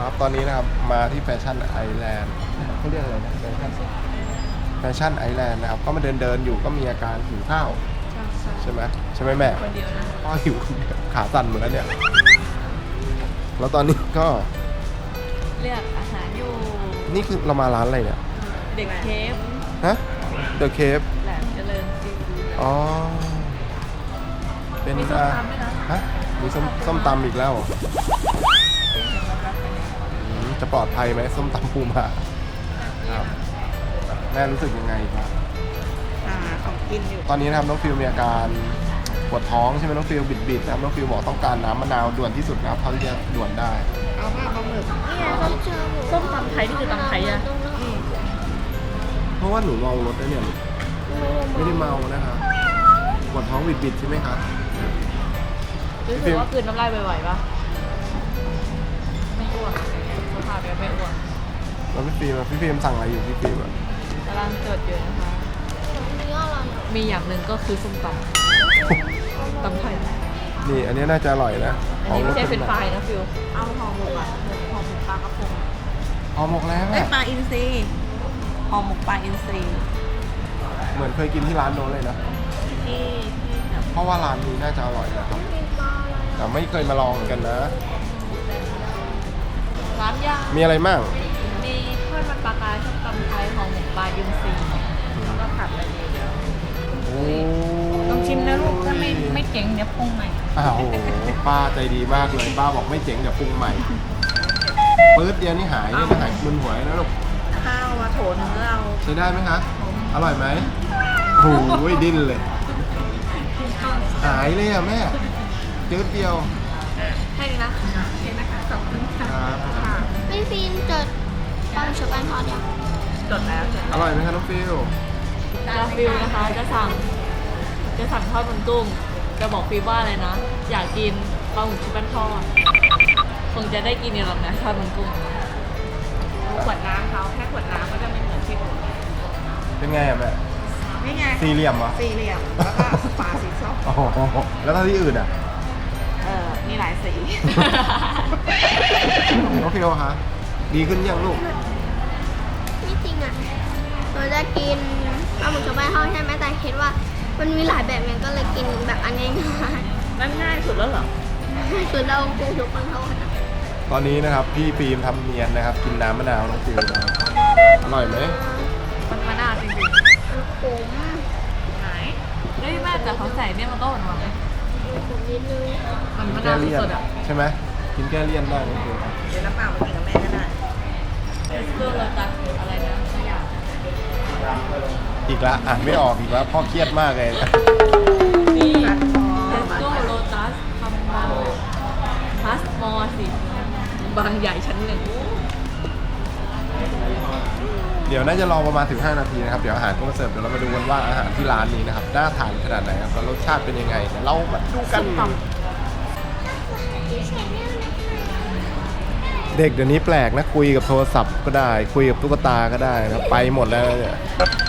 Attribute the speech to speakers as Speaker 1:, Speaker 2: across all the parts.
Speaker 1: ครับตอนนี้นะครับมาที่แฟชั่นไอแลนด์เขาเรียกอะไรนะแฟชั่นไอแลนด์นะครับก็มาเดินอยู่ก็มีอาการหิวข้าวใช่ไหมแม่คนเดียวนะพ่อหิวขาสั่นหมดแล้วเนี่ยแล้วตอนนี้ก็
Speaker 2: เลือกอาหารอยู่
Speaker 1: นี่คือเรามาร้านอะไรเนี่ย
Speaker 2: เด็กเคฟ
Speaker 1: ฮะเดอะเคฟ
Speaker 2: แหลมเจริญซีฟู้ด
Speaker 1: อ๋อเป็น
Speaker 2: มีส้มตำด้วยนะ
Speaker 1: ฮะมีส้มตำอีกแล้วจะปลอดภัยไหมส้มตำปูมาครับแม่รู้สึกยังไงครับ
Speaker 2: ของกินอยู่
Speaker 1: ตอนนี้นะครับน้องฟิลมีอาการปวดท้องใช่ไหมน้องฟิลบิดนะครับน้องฟิลบอกต้องการน้ำมะนาวด่วนที่สุดนะครับเท่าที่จะด่วนได้
Speaker 2: เอาผ้าปลาหมึกส้มตำไทยนี่คือตำไทยอะ
Speaker 1: เพราะว่าหนูเมารถนะเนี่ยไม่ได้เมานะครับปวดท้องบิดใช่ไหมครับ
Speaker 2: รู้สึกว่าคืนน้ำลายบ่อยๆปะไม่อ้วนสภาพแบบไม่อ้วน
Speaker 1: แล้วพี่ฟิล์มสั่งอะไรอยู่พี่ฟิล์ม
Speaker 2: กำลังจดอยู่นะคะมีอย่างหนึ่งก็คือส้มตำไทย
Speaker 1: นี่อันนี้น่าจะอร่อยนะ
Speaker 2: อันนี้ไม่ใช่เป็นไฟนะฟิวเอาห่อหมกอะห่อหมกปลากระพง
Speaker 1: ห่อหมกแล้ว
Speaker 2: ปลาอินทรีห่อหมกปลาอินทรี
Speaker 1: เหมือนเคยกินที่ร้านโน้นเลยนะ
Speaker 2: ที่
Speaker 1: เพราะว่าร้านนี้น่าจะอร่อยนะครับแต่ไม่เคยมาลองเหมือนกันนะ
Speaker 2: ร้านย่าง
Speaker 1: มีอะไรบ้าง
Speaker 2: มีทอดมันปลากรายส้มตำไทยห่อหมกปลาอินทรีแล้วก็ผัดอะไรเดียวต้องชิมนะลูกถ้าไม่เจ๋งเดี๋ยวปรุงใหม่
Speaker 1: โอ้โหป้าใจดีมากเลยป้าบอกไม่เจ๋งเดี๋ยวปรุงใหม่ปื๊ดเดียวนี่หายนี่หายมึนหัวนะลูก
Speaker 2: ข้าวมาโถนึงเรา
Speaker 1: ใช้ได้ไหมคะอร่อยไหมโอ้โหดิ้นเลยหายเลยอ่ะแม่จืดเดียว
Speaker 2: ให้ดีนะเห็นนะคะขอบคุณค่ะ
Speaker 3: พี่ฟิล์มจดปลาหมึกชุบแป้งทอดยัง
Speaker 2: จดแล้ว
Speaker 1: อร่อยไหมคะน้องฟิล
Speaker 2: ฟิลนะคะจะสั่งทอดมันกุ้งจะบอกฟิลว่าอะไรนะอยากกินปลาหมึกชุบแป้งทอดคงจะได้กินอย่างนั้นทอดมันกุ้งขวดน้ำเขาแค่ขวดน้ำก็จะไม่เหมือนที่อื่น
Speaker 1: เป็นไงอะแม่
Speaker 2: นี่ไง
Speaker 1: สี่เหลี่ยมเหรอ
Speaker 2: สี่เหลี่ยมแล้วก็ฝาสีส้ม
Speaker 1: โอ้โหแล้วถ้าที่อื่นอ่ะ
Speaker 2: มีหลายสี
Speaker 1: โอเคคะดีขึ้นยังลูก
Speaker 3: ไม่จริงอ่ะเราจะกินปลาหมึกชุบแป้งทอดใช่ไหมแต่คิดว่ามันมีหลายแบบเนี่ยก็เลยกินแบบอันง่าย
Speaker 2: ๆนั่นง่ายสุดแล้วเหรอ
Speaker 3: คือเรากุ้งชุบแป้งทอด
Speaker 1: ตอนนี้นะครับพี่ฟิล์มทำเนียนนะครับกินน้ำมะนาวน้องฟิลนะครับอร่อยไหม
Speaker 2: มันมะนาวจริงๆ
Speaker 3: ผม
Speaker 2: ไหนเฮ้ยแม่แต่เขาใส่เนี่ยมันก็หวาน
Speaker 3: ผมนิดนึง
Speaker 2: มันมะนาวสดอ่ะ
Speaker 1: ใช่ไหมกินแก้เลี่ยนได้น้องฟิล
Speaker 2: เดี๋ยวน้ำเปล่ามากินกับแม่ก็ได้เรื่องเราตัดอะไรนะไม่อยาก
Speaker 1: อีกละอ่านไม่ออกอีกแล้วพ่อเครียดมากเลย
Speaker 2: นี่เทสโก้โลตัสคอมโบพาสมอร์สิบางใหญ่ชั้นหนึ่ง
Speaker 1: เดี๋ยวน่าจะรอประมาณถึง5 นาทีนะครับเดี๋ยวอาหารก็มาเสิร์ฟเดี๋ยวเรามาดูกันว่าอาหารที่ร้านนี้นะครับน่าทานขนาดไหนครับแล้วรสชาติเป็นยังไงเรามาดูกันเด็กเดี๋ยวนี้แปลกนะคุยกับโทรศัพท์ก็ได้คุยกับตุ๊กตาก็ได้นะไปหมดแล้วเนี่ย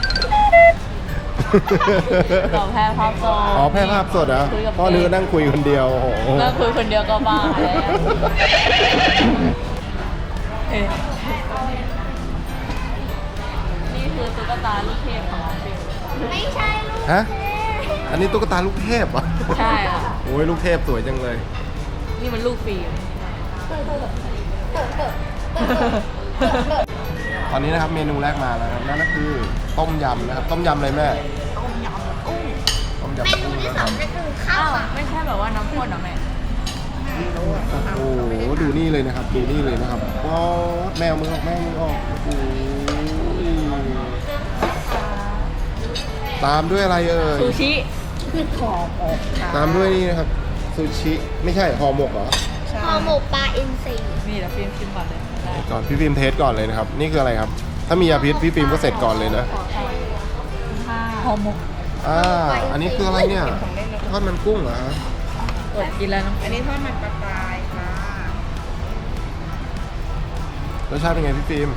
Speaker 2: ต่อแพร่ภาพสด
Speaker 1: อ๋อแพร่ภาพสดเหรอพ่อเนื้อนั่งคุยคนเดียวโอ้โห
Speaker 2: นั่งคุยคนเดียวก็บ้าแล้วนี่คือตุ๊กตาลูกเทพของฟิล
Speaker 3: ไม่ใช่ลูก
Speaker 1: ฮะอันนี้ตุ๊กตาลูกเทพเหรอ
Speaker 2: ใช่ค่ะ
Speaker 1: โอ้ยลูกเทพสวยจังเลย
Speaker 2: นี่มันลูกฟิล
Speaker 1: ตอนนี้นะครับเมนูแรกมาแล้วครับนั่นก็คือต้มยำนะครับต้มยำอะไรแม่
Speaker 3: ต้มยำกุ้ง
Speaker 1: ต้มยำกุ้ง
Speaker 3: นะครับนั่นคือข้าว
Speaker 2: ไม่ใช่แบบว่าน้ำข้นหรอแม่
Speaker 1: โอ้โหดูนี่เลยนะครับดูนี่เลยนะครับว้าวแมวมือออกแมวมือออกโอ้โหตามด้วยอะไรเอ่ย
Speaker 2: ซูชิคือห่อหมก
Speaker 1: ตามด้วยนี่นะครับซูชิไม่ใช่ห่อหมกเหรอ
Speaker 3: ห่อหมกปลาอินทรี
Speaker 2: นี่เดี๋ยวฟิล์มชิมก่อนเลย
Speaker 1: ก่อนพี่ฟิล์มเทสก่อนเลยนะครับนี่คืออะไรครับถ้ามียาพิษพี่ฟิล์มก็เสร็จก่อนเลยนะ
Speaker 2: ห่อหมก
Speaker 1: อันนี้คืออะไรเนี่ยทอดมันกุ้งเหรอฮะ
Speaker 2: อดกินแล้วน้องอันนี้ทอดมันปลากรายค่ะ
Speaker 1: รสชาติเป็นไงพี่ฟิล์ม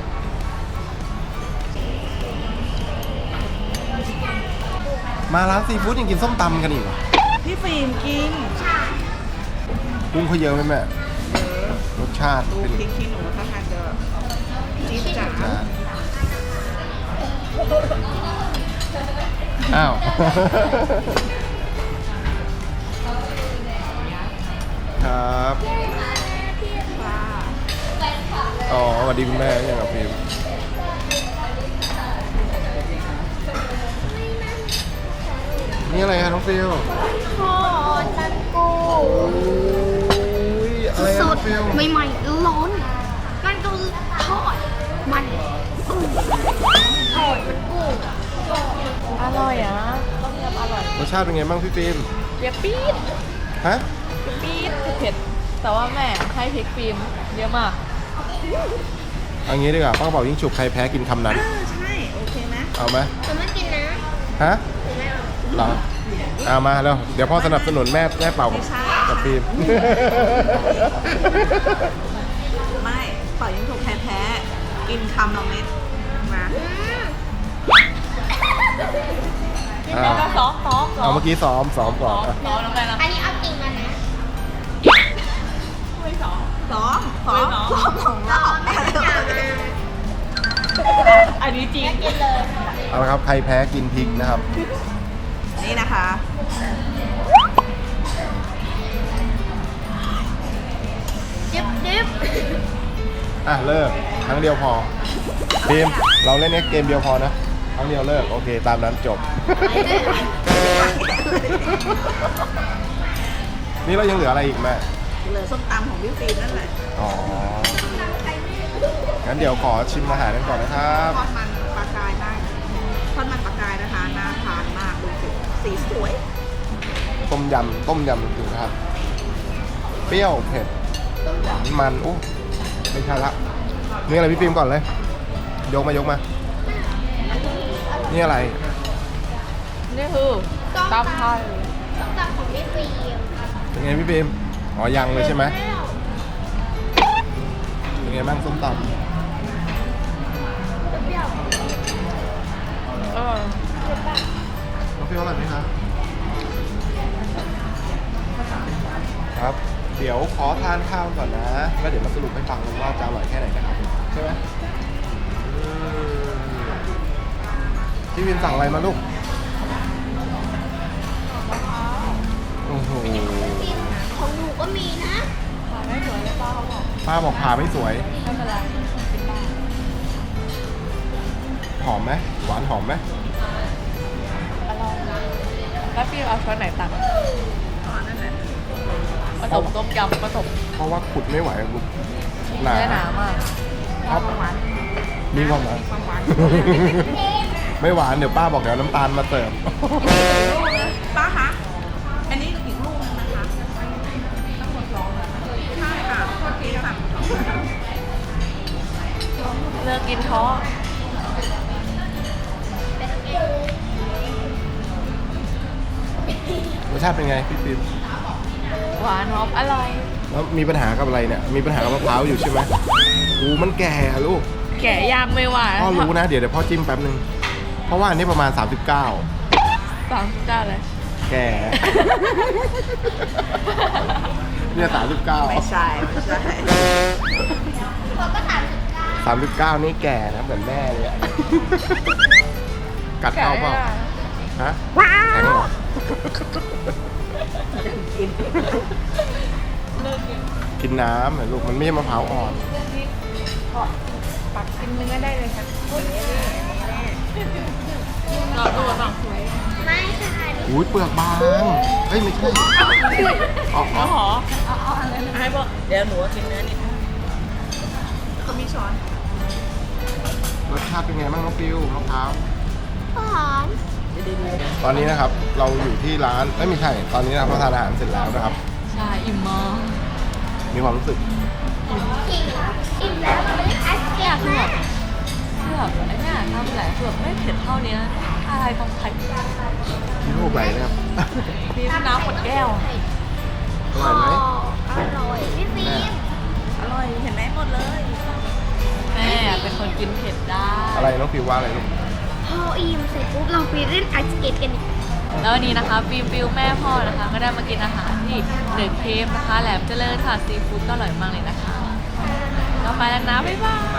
Speaker 1: มาร้านซีฟู้ดยังกินส้มตำกันอีกเหรอ
Speaker 2: พี่ฟิล์มกิน
Speaker 3: ใช่
Speaker 1: กุ้งเขาเยอะไหมแม่รสชาติ
Speaker 4: ดู
Speaker 1: เป็น
Speaker 4: พริกขี้หนูถ้าทานจะแบบจี๊ดจ๋า
Speaker 1: จานอ้าว ครับ
Speaker 4: ค่ะ
Speaker 1: อ๋อสวัสดีคุณแม่ยังกับพิมพ์นี่อะไรฮะน้องฟิล
Speaker 3: ทอดมันกุ้ง
Speaker 1: อุ้ยอะไร
Speaker 3: ส
Speaker 1: อะน้อ
Speaker 3: ด
Speaker 1: งฟิล
Speaker 3: ใหม่ๆร้อนมันก็ทอดมันกุ้งทอดมันกุ้ง
Speaker 2: อร่อยอ่ะต้มยำอร่อย
Speaker 1: รสชาติเป็นไงบ้างพี่ฟิล์ม
Speaker 2: เปรี้ยวปี๊ด
Speaker 1: ฮะ
Speaker 2: ปี๊ดเผ็ดแต่ว่าแม่ให้พริกฟิล์มเยอะมาก
Speaker 1: เอางี้ดีกว่าป้ากระเป๋ายิ่งฉุบใครแพ้กินคำนั้น
Speaker 4: ใช่โอเคนะ
Speaker 1: เอาไหม
Speaker 3: ผมไม่กินนะ
Speaker 1: ฮะ
Speaker 3: ผมไม่เอา
Speaker 1: เหรอเอามาแล้วเดี๋ยวพ่อสนับสนุนแม่เป่ากับฟิล์ม
Speaker 4: ไม่ปล่อยยิ่งถูกแพ้ๆกินคำละเม็ดมา
Speaker 1: อ่า
Speaker 2: แล้วก็ซ้อม
Speaker 1: เอาเมื่อกี้ซ้อมก่อนอ่ะ
Speaker 2: ซ้อมแล้วแม่นะ
Speaker 3: อันนี้เอาจริงแล้วนะ
Speaker 2: ไม่ซ้อม
Speaker 4: ซ้อมของเรา
Speaker 3: ไม่ต้องอย่ามา
Speaker 2: อันนี้จริง
Speaker 3: กินเลย
Speaker 1: เอาละครับใครแพ้กินพริกนะครับ
Speaker 4: นี่นะคะ
Speaker 3: ดิบ
Speaker 1: อ่ะเลิกครั้งเดียวพอฟิล์มเราเล่นเกมเดียวพอนะครั้งเดียวเลิกโอเคตามนั้นจบ นี่เรายังเหลืออะไรอีกแม่
Speaker 4: เหลือส้มตำของพี่ฟิล์มนั่นแหละ
Speaker 1: อ๋อ งั้นเดี๋ยวขอชิมอาหารกันก่อนนะครับ
Speaker 4: ทอดมันปลากายมากทอดมันปลากายนะคะน่าทานมากดูสิสีสวย
Speaker 1: ต้มยำดูนะครับ เปรี้ยวเผ็ดหวานมันโอ้ไม่ใช่ละนี่อะไรพี่ฟิล์มก่อนเลย ยกมา นี่อะไร
Speaker 2: นี่คือตำไทย
Speaker 3: ส้มตำของพี่ฟิล์ม
Speaker 1: เป็นไงพี่ฟิล์มอ๋อยังเลยใช่ไหมเป็นไงบ้างส้มตำ
Speaker 3: เปรี้ยว
Speaker 2: เออ
Speaker 1: น้องฟิล์มอร่อยไหมครับครับ เดี๋ยวขอทานข้าวก่อนนะ แล้วเดี๋ยวมาสรุปให้ฟังกันว่าจะอร่อยแค่ไหนนะครับ ใช่ไหมพี่วินสั่งอะไรมาลูก โอ้โห
Speaker 3: ของหนูก็มีนะ
Speaker 2: ผ่านไม่สวยเลยป้าเขาบอก
Speaker 1: ป้าบอกผ่าไม่สวย
Speaker 2: ไม่เป็นไรกินได้
Speaker 1: หอมไหมหวานหอมไหม
Speaker 2: อร่อยแล้วพี่เอาช้อนไหนตัก
Speaker 4: อ๋อนั่นแหละ
Speaker 2: ผสมต้มยำผสม
Speaker 1: เพราะว่าขุดไม่ไหวอะลูกหนา
Speaker 2: เนื้อหนามาก
Speaker 1: ครับ
Speaker 4: หวาน
Speaker 1: มีความหวาน
Speaker 4: ความหวาน
Speaker 1: ไม่หวานเดี๋ยวป้าบอกเดี๋ยวน้ำตาลมาเติม
Speaker 4: ป้าคะ อันนี้อีกลูกนึงนะคะทั้งหมดสองใช่ค่ะโทษทีค่ะ
Speaker 2: เลิกกินท้อ
Speaker 1: รสชาติเป็นไงพี่ฟิล์ม
Speaker 2: หวานหอมอร่อย
Speaker 1: แล้วมีปัญหากับอะไรเนี่ย มีปัญหากับมะพร้าวอยู่ใช่ไหมอู้มันแก่อะลูก
Speaker 2: แกะยากไม่หวาน
Speaker 1: พ่อรู้นะ เดี๋ยวพ่อจิ้มแป๊บนึง เพราะว่าอันนี้ประมาณ 39
Speaker 2: 39เลย
Speaker 1: แก่ เนี่ย
Speaker 4: ไม่ใช่ไม่ใช่
Speaker 3: ผมก็
Speaker 1: 39
Speaker 3: 39
Speaker 1: นี่แก่นะเหมือนแม่เลยอะกัด
Speaker 2: แกะ
Speaker 1: เข้าเป
Speaker 2: ไม่
Speaker 1: ล่า
Speaker 2: ได้
Speaker 1: ฮะแข็งเหรอ
Speaker 2: เลิกกิน
Speaker 1: กินน้ำเหรอลูก มันไม่ใช่มะพร้าวอ่อน
Speaker 2: ปักกินเนื้อได้เลยค่ะเราตัวสั่งสวย
Speaker 3: ไม่ใช่
Speaker 1: อุ้ยเปลือกบาง เฮ้ยไม่ใช่อ๋อ
Speaker 2: แล้วหอ
Speaker 4: ให้บอกเดี๋ยวหนูกินเนื้อนิดนึงเขามีช้อน
Speaker 1: รสชาติเป็นไงบ้างน้องฟิวมะพร้าว
Speaker 3: หอม
Speaker 1: ตอนนี้นะครับ เราอยู่ที่ร้านไม่ใช่ ตอนนี้นะครับเราทานอาหารเสร็จแล้วนะครับ
Speaker 2: ใช่อิ่มมาก
Speaker 1: มีความรู้สึก
Speaker 3: อิ่มแล้วมันไม่ได้ไอศกรีม
Speaker 2: คือ
Speaker 3: นะ
Speaker 2: แบบไอ้เนี่ยทำหลายคือแบบไม่เผ็ดเท่านี้อะไรตรงไข่
Speaker 1: ที่ลูกไหลนะครับ
Speaker 2: พี่น้ำหมดแก้ว
Speaker 1: อร่อยไหม
Speaker 3: อร่อยพี่ฟิล์ม
Speaker 4: อร่อยเห็นไหมหมดเลย
Speaker 2: แม่เป็นคนกินเผ็ดได้
Speaker 1: อะไรน้องฟิวว่าอะไรลูก
Speaker 3: พออิ่มเสร็จปุ๊บเราไปเล่นไอศกรีมกันอีก
Speaker 2: แล้ววันนี้นะคะฟิวแม่พ่อนะคะ ก็ได้มากินอาหารที่เดอะเคฟนะคะ แหลมเจริญค่ะซีฟู้ดก็อร่อยมากเลยนะคะก็ไปแล้วนะ บ๊ายบาย